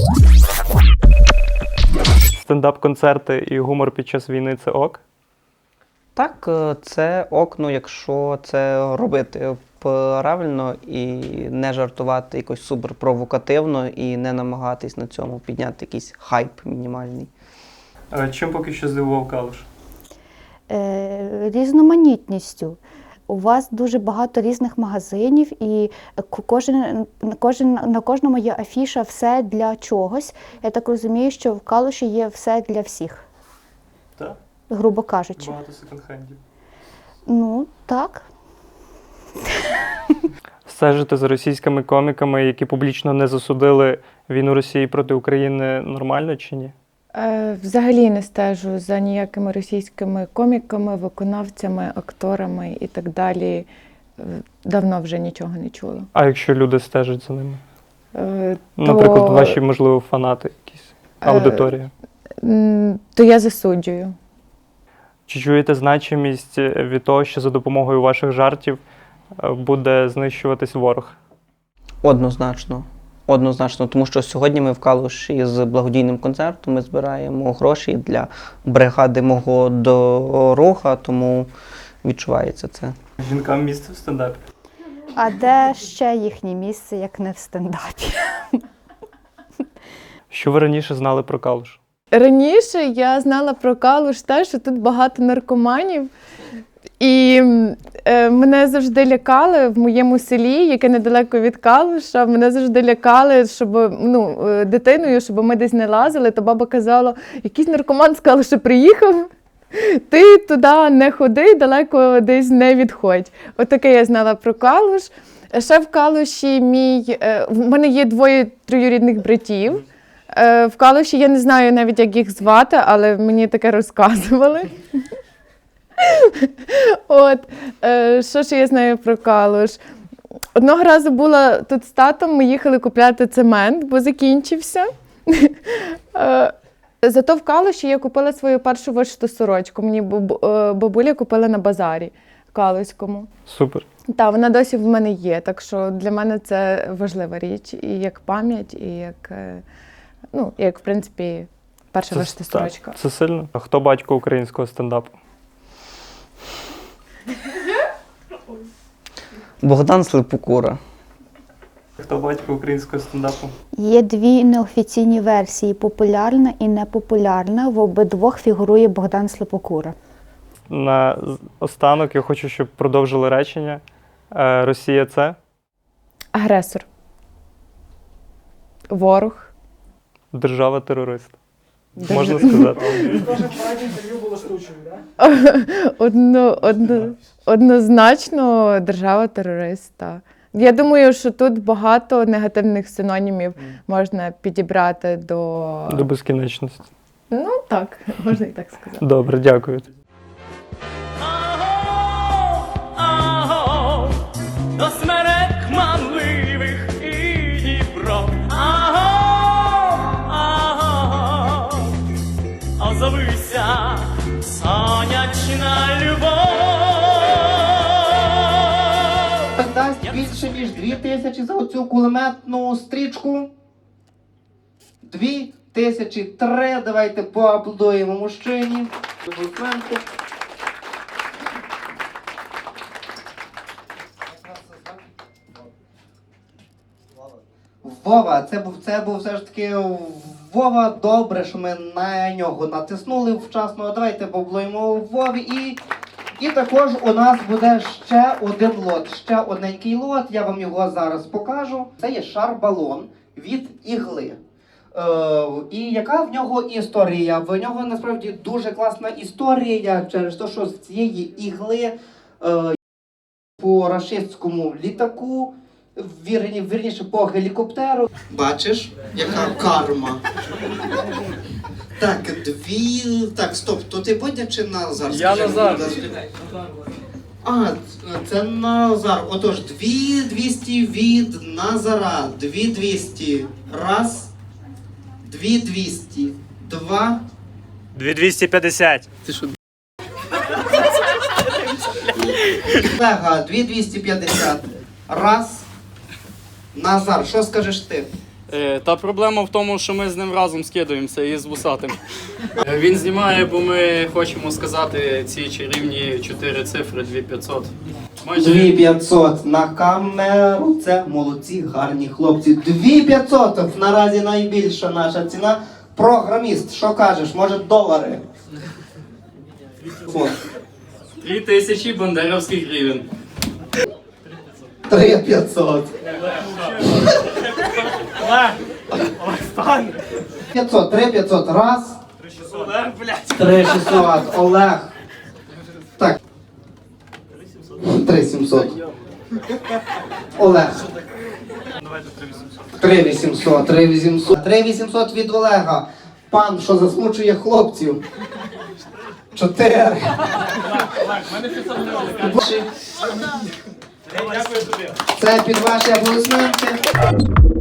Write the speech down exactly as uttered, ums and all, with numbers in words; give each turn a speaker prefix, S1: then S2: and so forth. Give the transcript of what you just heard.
S1: Стендап-концерти і гумор під час війни – це ок?
S2: Так, це ок, ну, якщо це робити правильно і не жартувати якось суперпровокативно і не намагатись на цьому підняти якийсь хайп мінімальний.
S1: А чим поки що здивував Калуш?
S3: Е, різноманітністю. У вас дуже багато різних магазинів, і кожен, кожен, на кожному є афіша «Все для чогось». Я так розумію, що в Калуші є все для всіх,
S1: Так.
S3: грубо кажучи.
S1: Багато секонд-хендів.
S3: Ну, так.
S1: Стежити за російськими коміками, які публічно не засудили війну Росії проти України, нормально чи ні?
S4: Е, взагалі не стежу за ніякими російськими коміками, виконавцями, акторами і так далі. Е, Давно вже нічого не чула.
S1: А якщо люди стежать за ними?
S4: Е,
S1: Наприклад,
S4: то,
S1: ваші, можливо, фанати якісь, аудиторія.
S4: м, То я засуджую.
S1: Чи чуєте значимість від того, що за допомогою ваших жартів е, буде знищуватись ворог?
S2: Однозначно. Однозначно, тому що сьогодні ми в Калуші з благодійним концертом ми збираємо гроші для бригади мого дорога, тому відчувається це.
S1: Жінкам місце в стендапі?
S3: А де ще їхнє місце, як не в стендапі?
S1: Що ви раніше знали про Калуш?
S4: Раніше я знала про Калуш те, що тут багато наркоманів. І е, мене завжди лякали в моєму селі, яке недалеко від Калуша, мене завжди лякали, щоб ну, дитиною, щоб ми десь не лазили, то баба казала, якийсь наркоман з Калуша приїхав, ти туди не ходи, далеко десь не відходь. Отаке я знала про Калуш. Ще в Калуші мій, е, в мене є двоє троюрідних братів. Е, в Калуші я не знаю навіть, як їх звати, але мені таке розказували. От, е, що ж я знаю про Калуш? Одного разу була тут з татом, ми їхали купляти цемент, бо закінчився. Е, зато в Калуші я купила свою першу вишиту сорочку. Мені бабу- е, бабуля купила на базарі калуському.
S1: Супер.
S4: Так, вона досі в мене є, так що для мене це важлива річ. І як пам'ять, і як, е, ну, як в принципі, перша вишита
S1: так,
S4: сорочка.
S1: це сильно. А хто батько українського стендапу?
S2: Богдан Слепокура.
S1: Хто батько українського стендапу?
S3: Є дві неофіційні версії – популярна і непопулярна. В обидвох фігурує Богдан Слепокура.
S1: На з- останок я хочу, щоб продовжили речення. Е, Росія – це
S4: Агресор. Ворог.
S1: держава-терорист.
S4: Держ-
S1: Можна сказати.
S4: Одно, одно, однозначно держава-терориста. Я думаю, що тут багато негативних синонімів можна підібрати до...
S1: До безкінечності.
S4: Ну так, можна і так сказати.
S1: Добре, дякую.
S5: Аго, до смерек манливих і Дніпро. Аго, аго, озовися, сонячна любов.
S6: Дасть більше, ніж дві тисячі за оцю кулеметну стрічку. Дві тисячі три. Давайте поаплодуємо мужчині. Аплодисменти. Вова, це був, це був все ж таки Вова. Добре, що ми на нього натиснули вчасно. Давайте поаплодуємо Вові. І, і також у нас буде ще один лот, ще одненький лот. Я вам його зараз покажу. Це є шар-балон від ігли. Е, і яка в нього історія? В нього насправді дуже класна історія через те, що з цієї ігли е, по рашистському літаку, вірні, вірніше по гелікоптеру. Бачиш, яка карма. Так, дві... Так, стоп, то ти Бодя чи Назар?
S1: Я Назар.
S6: А, це Назар. Отож, дві двісті від Назара. Дві двісті. Раз. Дві двісті. Два.
S1: дві двісті п'ятдесят.
S6: Олега, дві двісті п'ятдесят. Раз. Назар, що скажеш ти?
S7: Е, Та проблема в тому, що ми з ним разом скидуємося і з вусатим. Е, Він знімає, бо ми хочемо сказати ці чарівні чотири цифри дві п'ятсот. Майже
S6: дві п'ятсот на камеру. Це молодці, гарні хлопці. дві п'ятсот наразі найбільша наша ціна. Програміст, що кажеш, може долари? О,
S7: три тисячі бандеровських гривень.
S6: три п'ятсот. п'ятсот, три п'ятсот, раз. три шістсот, Олег. Так. три сімсот. Олег. три вісімсот, три вісімсот. три вісімсот від Олега. Пан, що засмучує хлопців. чотири. Це під ваші аплодисменти.